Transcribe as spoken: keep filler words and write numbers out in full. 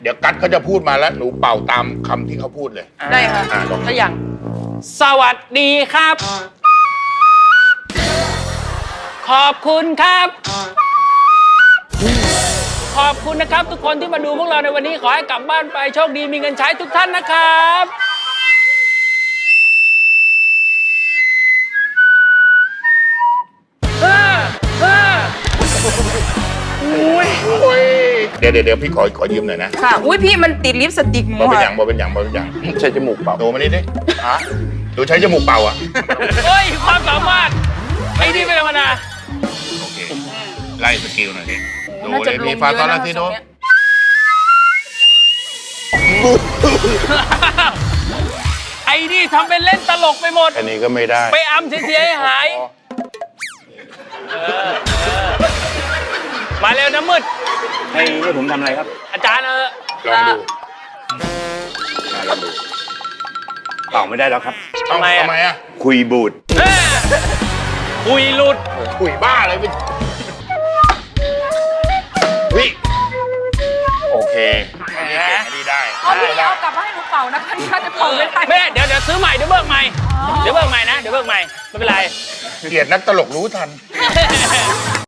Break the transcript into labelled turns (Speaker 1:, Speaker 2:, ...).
Speaker 1: เดี๋ยวกัดเขาจะพูดมาแล้วหนูเป่าตามคำที่เขาพูดเลย
Speaker 2: ได้ค่ะ
Speaker 1: อ่าลอง
Speaker 2: ถ้าอย่างสวัสดีครับ ขอบคุณครับ ขอบคุณนะครับทุกคนที่มาดูพวกเราในวันนี้ขอให้กลับบ้านไปโชคดีมีเงินใช้ทุกท่านนะครับเออเอออุ้ย
Speaker 1: โอ้ยเดี๋ยวเดี๋ยวเดี๋ยวพี่ขอขอยืมหน่อยนะ
Speaker 2: ค่ะอุ้ยพี่มันติดลิปสติกหม
Speaker 1: บอ
Speaker 2: ด
Speaker 1: เป็นอย่างบอเป็นอย่างบอเป็นอย่าง
Speaker 3: ใช้จมูกเป่า
Speaker 1: หนูมานี่ดิฮะหนูใช้จมูกเป่าอ่ะ
Speaker 2: เฮ้ยความสามารถไอ้นี่ไม่ธรรมดา
Speaker 1: โอเคไล่สกิลหน่อยดิดู
Speaker 2: น่า
Speaker 1: เล
Speaker 2: จะ
Speaker 1: ย
Speaker 2: ลง
Speaker 1: มีฟา
Speaker 2: เย
Speaker 1: ซอ
Speaker 2: อะ
Speaker 1: ล
Speaker 2: นะ
Speaker 1: ลาซิโด
Speaker 2: ทรงเนี้ย ไอ้นี่ทำเป็นเล่นตลกไปหมด
Speaker 1: อันนี้ก็ไม่ได้
Speaker 2: ไปอำเสียให้หายเออเออมาเร็วนะมืด
Speaker 3: ให้ให้ผมทำอะไรครับ
Speaker 2: อาจารย์เออ
Speaker 1: ลองดู
Speaker 3: ลองดูเป่าไม่ได้แล้วครับ
Speaker 1: ทำไมทำไมอ่ะ
Speaker 3: คุยบูด
Speaker 2: เออคุยหลุด
Speaker 1: คุยบ้าเลยไปวิโอเคอันนี้เก่งอันนี้ได้
Speaker 4: เอาพี่
Speaker 1: ได้
Speaker 4: เอากลับมาให้หนูเป่านะคะนี่น่าจะเป่าไม่ได้
Speaker 2: ไม่ได้เดี๋ยวเดี๋ยวซื้อใหม่เดี๋ยวเบิกใหม่ เดี๋ยวเบิกใหม่นะ เดี๋ยวเบิกใหม่ ไม่เป็นไร
Speaker 1: เกลียดนักตลกรู้ทัน